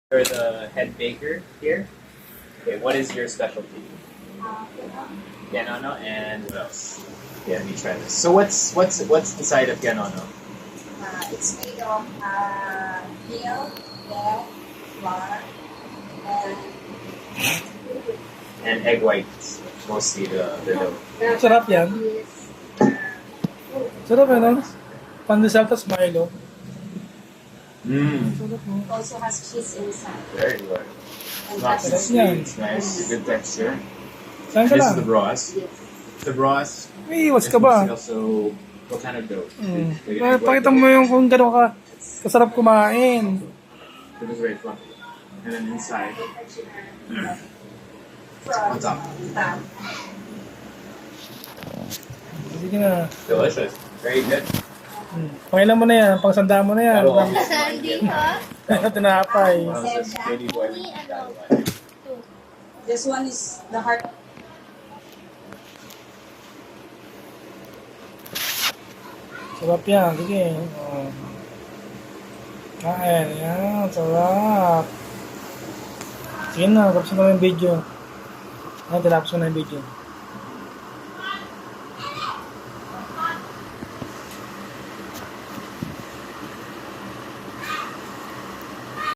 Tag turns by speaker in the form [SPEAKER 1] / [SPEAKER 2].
[SPEAKER 1] You're the head baker here. Okay, what is your specialty? Ganono and what else? Yeah, let me try this. So what's inside of Ganono?
[SPEAKER 2] It's made of milk, egg, flour, and
[SPEAKER 1] And egg whites, mostly the dough.
[SPEAKER 3] Sarap yan.
[SPEAKER 2] is
[SPEAKER 3] Sarap ano? Pandesal tas Milo.
[SPEAKER 1] Mmm,
[SPEAKER 3] Sarap mo.
[SPEAKER 2] also has cheese inside.
[SPEAKER 1] very good.
[SPEAKER 2] And
[SPEAKER 1] Not
[SPEAKER 2] that's
[SPEAKER 1] too
[SPEAKER 3] Sarap
[SPEAKER 1] sweet,
[SPEAKER 3] yan.
[SPEAKER 1] it's nice, good texture.
[SPEAKER 3] Saan ka
[SPEAKER 1] This
[SPEAKER 3] lang?
[SPEAKER 1] is the broth.
[SPEAKER 2] yes.
[SPEAKER 1] The broth.
[SPEAKER 3] May iwas ka ba?
[SPEAKER 1] Also, what kind of dough? Like
[SPEAKER 3] Ah,
[SPEAKER 1] egg white
[SPEAKER 3] pakita
[SPEAKER 1] dough?
[SPEAKER 3] mo yung kung gano'n ka kasarap kumain.
[SPEAKER 1] It is very fluffy. And then inside,
[SPEAKER 2] From
[SPEAKER 1] on top.
[SPEAKER 2] top.
[SPEAKER 3] Sige na.
[SPEAKER 1] Delicious. Very good.
[SPEAKER 3] Pangilan mo na yan. Pangsanda mo na yan.
[SPEAKER 1] That'll always remind
[SPEAKER 4] Hindi
[SPEAKER 1] you
[SPEAKER 4] ko.
[SPEAKER 3] Tinapay.
[SPEAKER 1] when I was a baby boy. That one.
[SPEAKER 2] This one is the heart.
[SPEAKER 3] Sarap yan. Sige. Oh. Kain. Yan. Sarap. Sige na. Tapos mo na yung video. Yan. Tinapos mo na yung video.